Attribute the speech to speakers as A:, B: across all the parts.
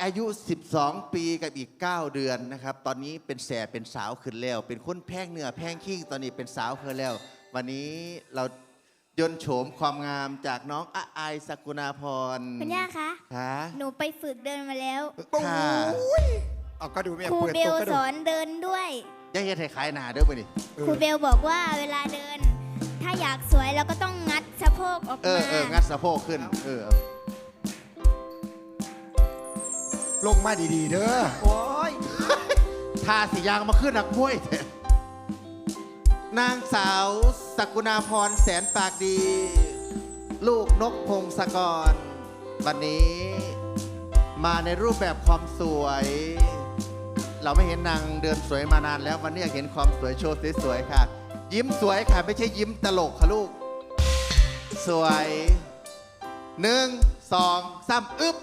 A: อายุ12ปีกับอีก9เดือนนะครับตอนนี้เป็นแสบเป็นสาวขึ้นแล้วเป็นคนแพงเนื้อแพงขี้ตอนนี้เป็นสาวขึ้นแล้ววันนี้เรายนต์โฉมความงามจากน้องอายสกุณาพร
B: คุณย่าคะหนูไปฝึกเดินมาแล้ว
A: ค่ะ
C: เอาก็ดูแม่
B: ครูเบลสอนเดินด้วย
A: ย่าเฮ็ดให้ขายหนาเด้อบ่นี่
B: ครูเบลบอกว่าเวลาเดินถ้าอยากสวยเราก็ต้องงัดสะโพกออกมา
A: งัดสะโพกขึ้น
C: ลงมาดีๆเด้อ
A: โอ้ยทาสียางมาขึ้นนักมวยนางสาวสกุณาพรแสนปากดีลูกนกพงศกรวันนี้มาในรูปแบบความสวยเราไม่เห็นนางเดินสวยมานานแล้ววันนี้อยากเห็นความสวยโชว์สวยๆค่ะยิ้มสวยค่ะไม่ใช่ยิ้มตลกค่ะลูกสวย1 2 3อึ๊บ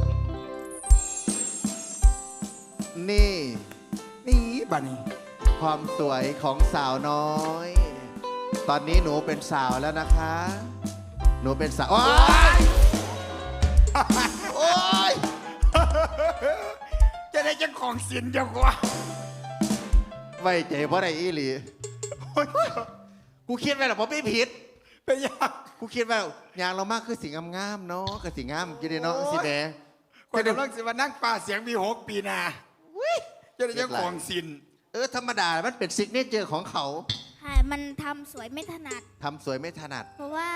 A: นี่
C: บัดนี้
A: ความสวยของสาวน้อยตอนนี้หนูเป็นสาวแล้วนะคะหนูเป็นสาวโอ๊ย
C: จะได้จังของสินเดียวกว่า
A: ไว้ใจเพราะอะไรอีหลีกูคิดไว้หรอเพราะไม่ผิด
C: เป็นยัง
A: กูคิดว่ายางเรามากคือสิ่งงามๆเนาะกับสิ่งงามกินเนาะสิแม่
C: คนกำลังสิมานั่งป่าเสียงมี6 ปีนาจะได้จังของสิน
A: ธรรมดามันเป็นซิกเนเจอร์ของเขา
B: ค่ะมันทำสวยไม่ถนัด
A: ทำสวยไม่ถนัด
B: เพราะว่า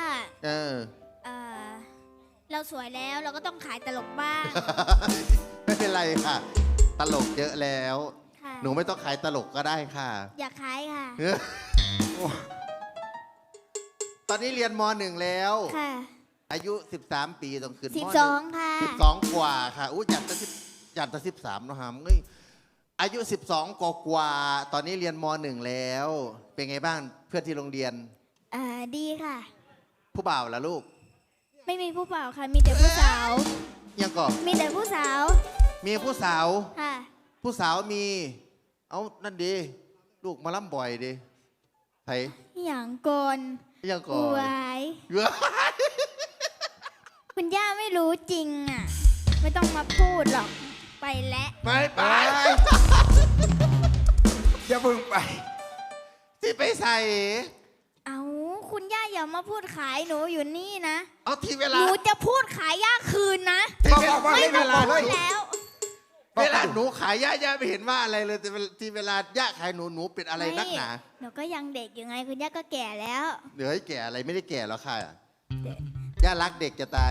B: เราสวยแล้วเราก็ต้องขายตลกบ้าง
A: ไม่เป็นไรค่ะตลกเยอะแล้วหนูไม่ต้องขายตลกก็ได้ค่ะ
B: อยากขายค่ะ
A: ตอนนี้เรียนม.1แล้ว
B: ค่ะ
A: อายุ13ปีต้องขึ้นม
B: .12ค่ะ
A: 12กว่าค่ะอู้จัดแต่13นะฮะเอ้ยอายุ12กว่าตอนนี้เรียนม.1แล้วเป็นไงบ้างเพื่อนที่โรงเรียน
B: ดีค่ะ
A: ผู้บ่าวล่ะลูก
B: ไม่มีผู้บ่าวค่ะมีแต่ผู้สาว
A: ยังก่อน
B: มีแต่ผู้สาว
A: มีผู้สาว
B: ค่ะ
A: ผู้สาวมีเอานั่นดีลูกมาล่ำบ่อยดีไผ
B: อย่างก่อน
A: ยังก่อน
B: วายคุณย่าไม่รู้จริงอ่ะไม่ต้องมาพูดหรอกไปแล้ว
A: ไป
C: อย่าเพิ่งไป
A: ที่ไปใส่
B: เอาคุณย่าอย่ามาพูดขายหนูอยู่นี่นะ
A: เอาทีเวลา
B: หนูจะพูดขายย่าคืนนะ
C: ไม่
B: เวลาแล้ว
A: เวลาหนูขายย่าไม่เห็นว่าอะไรเลยแต่ที่เวลาย่าขายหนูเป็นอะไรนักหนา
B: หนูก็ยังเด็กอยู่ไงคุณย่าก็แก่แล้ว
A: เดี๋ยวให้แก่อะไรไม่ได้แก่แล้วค่ะย่ารักเด็กจะตาย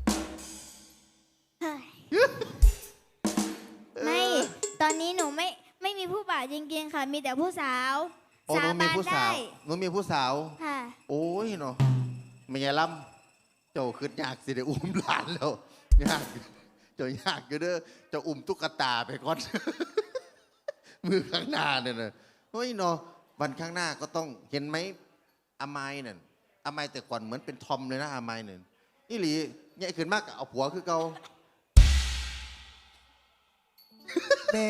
B: ไม่ตอนนี้หนูไม่มีผู้บ่าวจริงๆค่ะมีแต่ผู้สาว
A: สาบานได้หนูมีผู้สาว
B: ค่ะ
A: โอ้ยเนาะไม่ยาล่ำเจ้าขึ้นยากสิเดี๋ยวอุ้มหลานแล้วยากเจ้ายากอยู่เด้อเจ้าอุ้มตุ๊กตาไปก่อนมือข้างหน้าเนี่ยนะเฮ้ยเนาะวันข้างหน้าก็ต้องเห็นไหมอามายเนี่ยอามายแต่ก่อนเหมือนเป็นทอมเลยนะอามายเนี่ยนี่หลีเนี่ยขึ้นมากเอาผัวคือเกา
C: เน่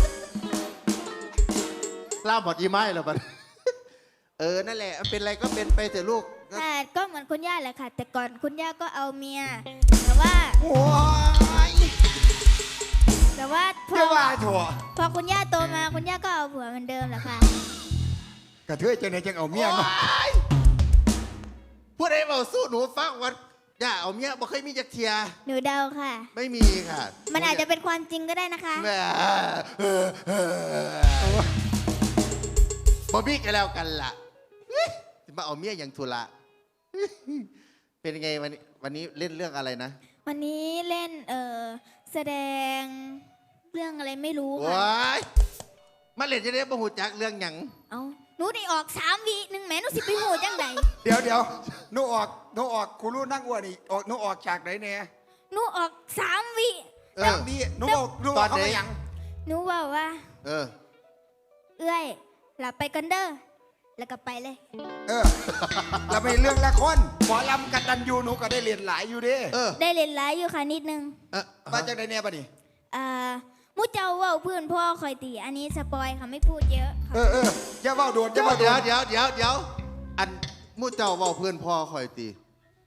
A: ล่าหมดยี่ไม้แล้วบัดนั่นแหละเป็นอะไรก็เป็นไปแต่ลูก
B: แต่ก็เหมือนคุณย่าแหละค่ะแต่ก่อนคุณย่าก็เอาเมียแต่ว่าพอคุณย่าโตมาคุณย่าก็เอาผัวเหมือนเดิมแหละค่ะ
C: กระเทยจังไหนจังเอาเมียเนาะ
A: พูดให้เบาสู้หนูฟังวันย่าเอาเมียบ่เคยมีจักเทีย
B: หนูเดาค่ะ
A: ไม่มีค่ะ
B: มันอาจจะเป็นความจริงก็ได้นะคะ
A: บ่มีกันแล้วกันล่ะมาเอาเมียอย่างทุระเป็นไงวันนี้เล่นเรื่องอะไรนะ
B: วันนี้เล่นแสดงเรื่องอะไรไม่รู้ค่ะ
A: มาเล่นจะได้บ่หูจักเรื่องหยัง
B: เอาหนูได้ออก3 วิแม่หนูสิไปหูจังได
C: เดี๋ยวหนูออกครูรู้นั่งอ้วนอีกหนูออกจากไหนเนี่ย
B: หนูออก3 วิ
C: หนูบอกเขาอย่าง
B: หนูบอกว่าเอ้ยหลับไปกันเด้อแล้วก็ไปเลย
C: เราไปเรื่องละครหมอลำกันดันยูหนูก็ได้เรียนหลายอยู่ดิ
B: ได้เรียนหลายอยู่ค่ะนิดนึง
C: มาจากไหนเนี่ยปะนี่
B: มุเจ้าว่าเพื่อนพ่อคอยตีอันนี้สปอยค่ะไม่พูดเยอะ
C: อย่าว่าโดน
A: เดี๋ยวอันมุเจ้าว่าเพื่อนพ่อคอยตี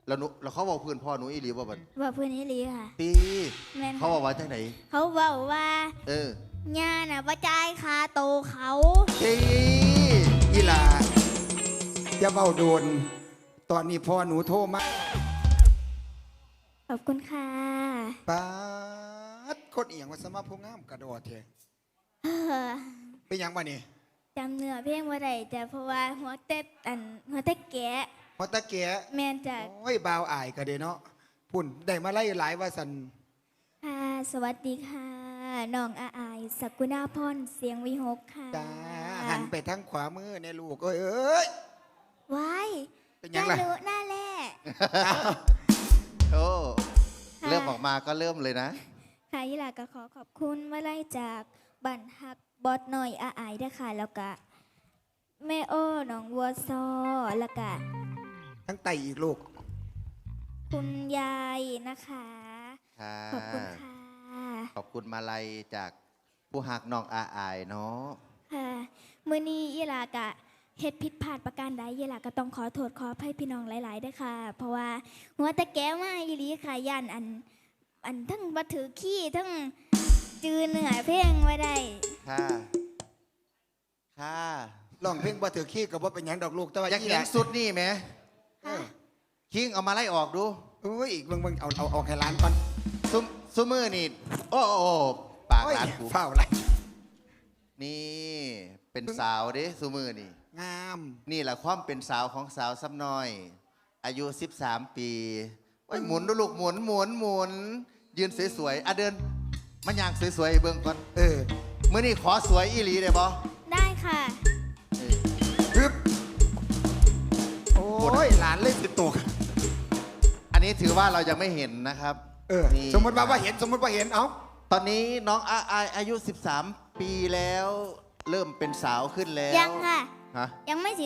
A: แล้วเขาบอกเพื่อนพ่อหนูอีหลีบ่บัด
B: ว่าเพื่อนนี่ลีค่ะ
A: ตี
B: แม่น
A: เขาบอกว่าจังไหน
B: เขาบอกว่า
A: เออ
B: ย่าน่ะว่าจ่ายค่าโตเขา
A: ตี
C: อีหลาอย่าเบาโดน ตอนนี้พ่อหนูโทรมา
B: ขอบคุณค่ะ
C: ป๊าดคนเอียงว่าสมาผู้งามกระโดดเถอะ
B: เออ
C: เป็นหยังบ่นี่
B: จำเนื้อเพลงว่าไรแต่เพราะว่าหัวเต็ดหัวเต็ดแกะ
C: พอตะเกีย
B: แมนจาก
C: โอ้ยบ่าวอายก็เด้เนาะพุ่นได้มาไล่หลายว่าสัน
B: ค่ะสวัสดีค่ะน้องอาอายสกุณาพรเสียงวิหกค่ะ
C: จ้าหันไปทางขวามือในลูกเอ้ย
B: ว้าย
C: เป็นยังไง
B: หน้าหนูหน้าแร่
A: โอ้
B: ค่ะ
A: เริ่มออกมาก็เริ่มเลยนะ
B: ค่ะยี่หลาก็ขอขอบคุณมาไล่จากบันฮักบอสหน่อยอาอายด้วยค่ะ แล้วก็แม่โอ้น้องวัวซอแล้วก็
C: ทั้งไตอีกลูก
B: คุณยายนะคะ
A: ค่ะ
B: ขอบคุณค่ะ
A: ขอบคุณมาลัยจากผู้หักน้องอาอายเนาะ
B: ค่ะมื้อนี้ยี่หลากะเฮ็ดผิดพลาดประการใดยี่หลาก็ต้องขอโทษขออภัยพี่น้องหลายๆด้วยค่ะ เพราะว่าหัวตะแก้วมาอีหลีค่ะย่านอันทั้งบ่ถือขี้ทั้งจือเนื้อเพลงไว้ได้
A: ค่ะ ค่ะ
C: ร้องเพลงบ่ถือขี้กับว่าเป็นหยังดอกลูกแต่ว่า
A: อยาก
C: อี
A: เห็
C: ห
A: น
C: ลา
A: สุดนี่ไหม
C: เออ
A: คิงเอามาไล่ออกดู
C: โอ้ยอีกเบิ่งเอาออกให้ร้านก่อน
A: ซุมือนี่ โอ้โอ้ปาก
C: โอ้ย
A: ร้านกู
C: เฝ้าอะไร
A: นี่ เป็นสาวเด้ซุมือนี่
C: งาม
A: นี่แหละความเป็นสาวของสาวซ้ำน้อย อายุ 13 ปีโอ้ยหมุนดูลูกหมุนหมุนหมุน ยืนสวยๆอ่ะเดินมันยางสวยๆเบิ่งก่อน
C: เออ
A: มื้อนี้ขอสวยอีหลีได้บ่
B: ได้ค่ะ
A: เออ
C: ฮึบโอ้ยหลานเล่นติดตัว
A: อันนี้ถือว่าเรายังไม่เห็นนะครับ
C: เออ
A: นี่
C: สมมติว่าเห็นสมมติว่าเห็นเอ้า
A: ตอนนี้น้องอาอายอายุ 13 ปีแล้ว เริ่มเป็นสาวขึ้นแล้ว
B: ยังค่ะ
A: ฮะ
B: ยังไม่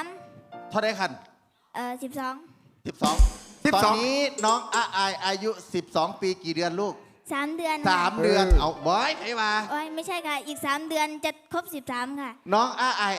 B: 13
A: เท่าไดคัน
B: 12
A: 12 ตอนนี้น้องอาอายอายุ 12 ปีกี่เดือนลูก
B: 3 เดือนค่ะ
A: 3 เดือน เอาบอยใครมา
B: โอ้ยไม่ใช่ค่ะ อีก 3 เดือนจะครบ13 ค่ะ
A: น้องอาอาย